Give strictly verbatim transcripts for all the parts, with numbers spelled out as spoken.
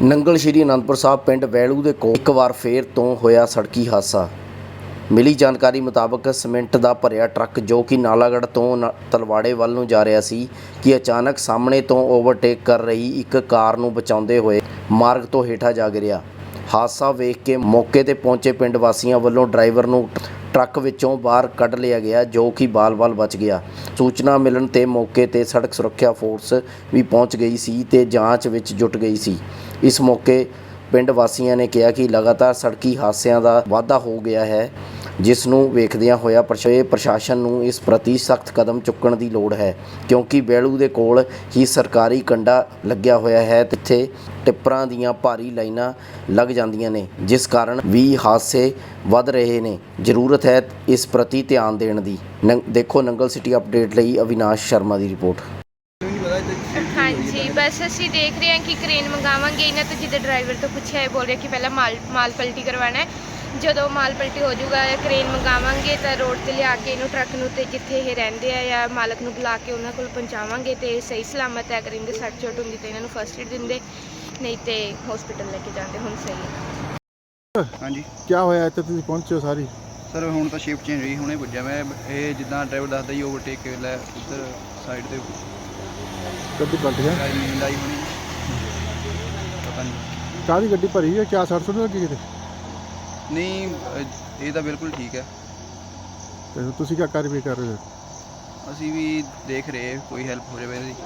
ਨੰਗਲ ਸ਼੍ਰੀ ਅਨੰਦਪੁਰ ਸਾਹਿਬ ਪਿੰਡ ਵੈਲੂ ਦੇ ਕੋਲ ਇੱਕ ਵਾਰ ਫੇਰ ਤੋਂ ਹੋਇਆ ਸੜਕੀ ਹਾਦਸਾ। ਮਿਲੀ ਜਾਣਕਾਰੀ ਮੁਤਾਬਕ ਸੀਮੈਂਟ ਦਾ ਭਰਿਆ ਟਰੱਕ ਜੋ ਕਿ ਨਾਲਾਗੜ੍ਹ ਤੋਂ ਤਲਵਾੜੇ ਵੱਲ ਨੂੰ ਜਾ ਰਿਹਾ ਸੀ ਕਿ ਅਚਾਨਕ ਸਾਹਮਣੇ ਤੋਂ ਓਵਰਟੇਕ ਕਰ ਰਹੀ ਇੱਕ ਕਾਰ ਨੂੰ ਬਚਾਉਂਦੇ ਹੋਏ ਮਾਰਗ ਤੋਂ ਹੇਠਾਂ ਜਾ ਗਿਰਿਆ। ਹਾਦਸਾ ਵੇਖ ਕੇ ਮੌਕੇ ਤੇ ਪਹੁੰਚੇ ਪਿੰਡ ਵਾਸੀਆਂ ਵੱਲੋਂ ਡਰਾਈਵਰ ਨੂੰ ਟਰੱਕ ਵਿੱਚੋਂ ਬਾਹਰ ਕੱਢ ਲਿਆ ਗਿਆ ਜੋ ਕਿ ਬਾਲ-ਬਾਲ ਬਚ ਗਿਆ। ਸੂਚਨਾ ਮਿਲਣ ਤੇ ਮੌਕੇ ਤੇ ਸੜਕ ਸੁਰੱਖਿਆ ਫੋਰਸ ਵੀ ਪਹੁੰਚ ਗਈ ਸੀ ਤੇ ਜਾਂਚ ਵਿੱਚ ਜੁਟ ਗਈ ਸੀ। ਇਸ ਮੌਕੇ ਪਿੰਡ ਵਾਸੀਆਂ ਨੇ ਕਿਹਾ ਕਿ ਲਗਾਤਾਰ ਸੜਕੀ ਹਾਦਸਿਆਂ ਦਾ ਵਾਧਾ ਹੋ ਗਿਆ ਹੈ, ਜਿਸ ਨੂੰ ਵੇਖਦਿਆਂ ਹੋਇਆ ਪ੍ਰਸ਼ਾਸਨ ਨੂੰ ਇਸ ਪ੍ਰਤੀ ਸਖਤ ਕਦਮ ਚੁੱਕਣ ਦੀ ਲੋੜ ਹੈ, ਕਿਉਂਕਿ ਵੈਲੂ ਦੇ ਕੋਲ ਹੀ ਸਰਕਾਰੀ ਕੰਡਾ ਲੱਗਿਆ ਹੋਇਆ ਹੈ। ਇੱਥੇ ਟਿੱਪਰਾਂ ਦੀਆਂ ਭਾਰੀ ਲਾਈਨਾਂ ਲੱਗ ਜਾਂਦੀਆਂ ਨੇ, ਜਿਸ ਕਾਰਨ ਵੀ ਹਾਦਸੇ ਵੱਧ ਰਹੇ ਨੇ। ਜ਼ਰੂਰਤ ਹੈ ਇਸ ਪ੍ਰਤੀ ਧਿਆਨ ਦੇਣ ਦੀ। ਦੇਖੋ ਨੰਗਲ ਸਿਟੀ ਅਪਡੇਟ ਲਈ ਅਵਿਨਾਸ਼ ਸ਼ਰਮਾ ਦੀ ਰਿਪੋर्ट। हाँ जी, बस असी देख रहे हैं कि क्रेन मंगावांगे इन्होंने तो जिद्दां ड्राइवर तो पूछा है, बोल रहे कि पहला माल माल पलटी करवाना है। जो माल पलटी हो जाऊगा क्रेन मंगावांगे तो रोड से लिया के इनू ट्रक नूं ते जिथे ये रहिंदे आ या मालक नूं बुला के उन्हां कोल पहुंचावांगे तो सही सलामत है। अगर इनके सट चोट हुंदी तो इन्हां नूं फस्ट एड दिंदे, नहीं तो हॉस्पिटल लेके जाते। हुण सही है। हाँ जी, क्या होया इत्थे तुसीं पहुंचे हो सारी? सर हुण तो शिफ्ट चेंज हुई, हुणे पुज्जा मैं। ये जिद्दां ड्राइवर दसदा ही ओवरटेक के लै उधर साइड ते गड्डी पलट गया। नींद आई होनी, पता नहीं काहदी गड्डी भरी है? क्या सड़ सुड़ लगी किते? नहीं, ये तो बिल्कुल ठीक है। ते तुसीं क्या कार्रवाई कर रहे हो? असी भी देख रहे कोई हेल्प हो जाए इसदी।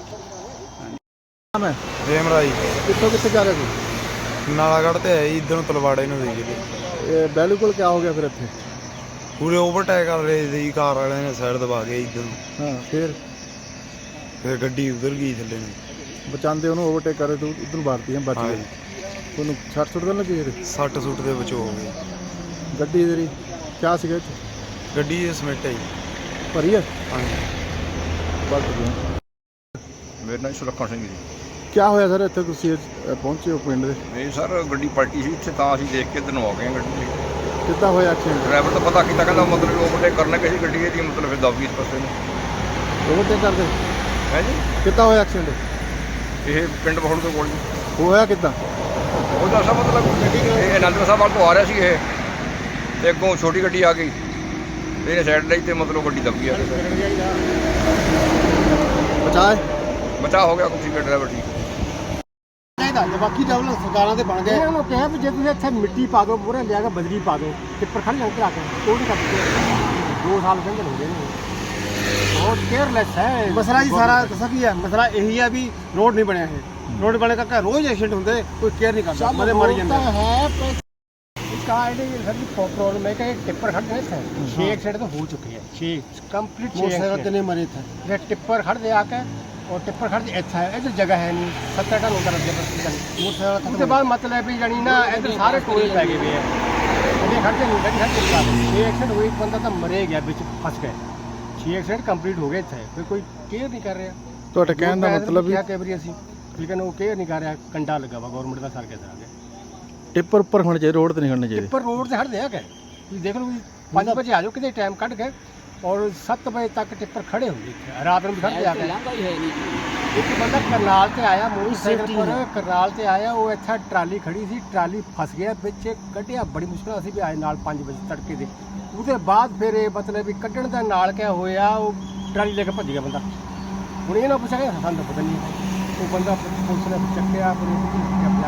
नाम है रेमराई कित्थों कित्थे जा रहे हो? नालागढ़ ते है इधर तलवाड़े ਨੂੰ ਦੇ ਗਏ। ये बैलू कोल क्या हो गया फिर इत्थे? ਪੂਰੇ ਓਵਰਟੇਕ ਕਰ ਰਹੇ ਸੀ, ਕਾਰ ਵਾਲਿਆਂ ਨੇ ਸਾਈਡ ਦਬਾ ਕੇ ਇੱਧਰ ਨੂੰ, हाँ फिर ਫਿਰ ਗੱਡੀ ਉਧਰ ਗਈ ਥੱਲੇ ਨੂੰ। बचांदे ਉਹਨੂੰ ओवरटेक कर रहे थे उधर मारती हैं बच गए। ਉਹਨੂੰ ਸੱਟ ਸੁੱਟ ਤਾਂ ਲੱਗੀ ਇਹਦੇ? ਸੱਟ ਸੁੱਟ ਦੇ ਬਚੋ ਹੋ ਗਏ। ਗੱਡੀ ਤੇਰੀ ਕਿਆ ਸੀਗਾ ਇੱਥੇ? ਗੱਡੀ ਦੇ ਸਮੇਟ ਹੈ ਜੀ। ਭਰੀ ਹੈ? ਹਾਂਜੀ। ਪਲਟ ਗਈ। मेरा नाम सुरक्षा सिंह जी। क्या होया सर ਇੱਥੇ ਤੁਸੀਂ ਪਹੁੰਚੇ ਹੋ ਪਿੰਡ ਦੇ? नहीं सर गड्डी पलटी सी इत्थे, तां असीं देख के इधर आ गए गड्डी। ਕਿੱਦਾਂ ਹੋਇਆ ਐਕਸੀਡੈਂਟ? ड्राइवर तो पता किया कहता मतलब ओवरटेक करने की गड्डी है मतलब फिर दब गई इस पासे में। ओवरटेक ਕਰਦੇ है जी, ਕਿੱਦਾਂ ਹੋਇਆ ਐਕਸੀਡੈਂਟ? ये पिंड बहुड़ के कोल ਹੋਇਆ ਕਿੱਦਾਂ? ਉਹਦਾ ਸਾ मतलब ਇਹ ਅਨੰਦਪੁਰ ਸਾਹਿਬ ਵੱਲ ਤੋਂ ਆ ਰਿਹਾ ਸੀ ਇਹ, ਤੇ ਅੱਗੋਂ ਛੋਟੀ ਗੱਡੀ ਆ ਗਈ ਤੇ ਇਹਨੇ ਸਾਈਡ ਲਈ ਤੇ ਮਤਲਬ ਗੱਡੀ ਦਬ ਗਈ ਆ ਕੇ। ਬਚਾਏ ਬਚਾਅ ਹੋ ਗਿਆ, ਕੁਛ ਡਰਾਈਵਰ ਠੀਕ। ਚਾਹੀਦਾ ਬਾਕੀ ਡਬਲ ਸਰਕਾਰਾਂ ਦੇ ਬਣ ਗਏ। ਇਹਨਾਂ ਨੂੰ ਕਿਹਾ ਵੀ ਜੇ ਤੁਸੀਂ ਇੱਥੇ ਮਿੱਟੀ ਪਾ ਦਿਓ, ਮੂਹਰੇ ਲਿਆ ਕੇ ਬਜਰੀ ਪਾ ਦਿਓ, ਟਿੱਪਰ ਖੜ ਜਾਂਦੇ ਆ ਕੇ ਉਹ ਨਹੀਂ ਕਰਦੇ। ਦੋ ਸਾਲ ਕਹਿੰਦੇ ਹੋ ਗਏ ਨੇ, ਬਹੁਤ ਕੇਅਰਲੈਸ ਹੈ ਮਸਲਾ ਜੀ ਸਾਰਾ। ਦੱਸਾਂ ਕੀ ਹੈ ਮਸਲਾ? ਇਹੀ ਹੈ ਵੀ ਰੋਡ ਨਹੀਂ ਬਣਿਆ ਹੈ। ਰੋਡ ਬਣੇ ਕਰਕੇ ਰੋਜ਼ ਐਕਸੀਡੈਂਟ ਹੁੰਦੇ, ਕੋਈ ਕੇਅਰ ਨਹੀਂ ਕਰਦਾ, ਮਰੇ ਮਰ ਜਾਂਦੇ ਹੈ। ਕਾਰ ਦੇ ਸਾਡੀ ਪ੍ਰੋਬਲਮ ਹੈ ਕਿ ਟਿੱਪਰ ਖੜਦੇ ਨੇ ਇੱਥੇ ਛੇ ਐਕਸੀਡੈਂਟ ਤਾਂ ਹੋ ਚੁੱਕੇ ਹੈ। ਛੇ ਕੰਪਲੀਟ ਛੇ ਐਕਸੀਡੈਂਟ ਕਿੰਨੇ ਮਰੇ ਇੱਥੇ? ਜੇ ਟਿੱਪਰ ਖੜਦੇ ਆ ਕੇ और टिप्पर खड़ इतना है, इधर जगह है नहीं, सत्तर टन होता रहा। उसके बाद मतलब भी जानी ना इधर सारे टोले पै गए हुए हैं। गड्डी खड़ते नहीं, गड्डी खड़ते छः एक्सीडेंट हुए, एक बंदा तो मरे गया, बिच फंस गए। छः एक्सीडेंट कंप्लीट हो गए थे, फिर कोई केयर नहीं कर रहा। तो कहने का मतलब क्या कई बार असी लेकिन वो केयर नहीं कर रहा। कंडा लगा वा गौरमेंट का सर के आ गया। ਟਿੱਪਰ ਉੱਪਰ ਖੜਨੇ ਚਾਹੀਦੇ, ਰੋਡ ਤੇ ਨਹੀਂ ਖੜਨੇ ਚਾਹੀਦੇ। टिप्पर रोड से हट दिया क्या? देख लो पाँच बजे आ जाओ, कितने टाइम कट गए और सत्त बजे तक टिप्पर खड़े होंगे, रात में भी खड़े जाके। एक बंदा करनाल से आया, मोटरसाइकिल पर करनाल से आया, वो इतना ट्राली खड़ी सी, ट्राली फस गया बिच, कढ़िया बड़ी मुश्किल। असीं भी आए नाल पाँच बजे तड़के दे। उसके बाद फिर मतलब भी कढ़ण दा नाल क्या होया, वो ट्राली लेके भज गया बंदा। हुण इन्हां पुछा कि सानूं पता नहीं, वो बंदा पुलिस ने चक्किया, फिर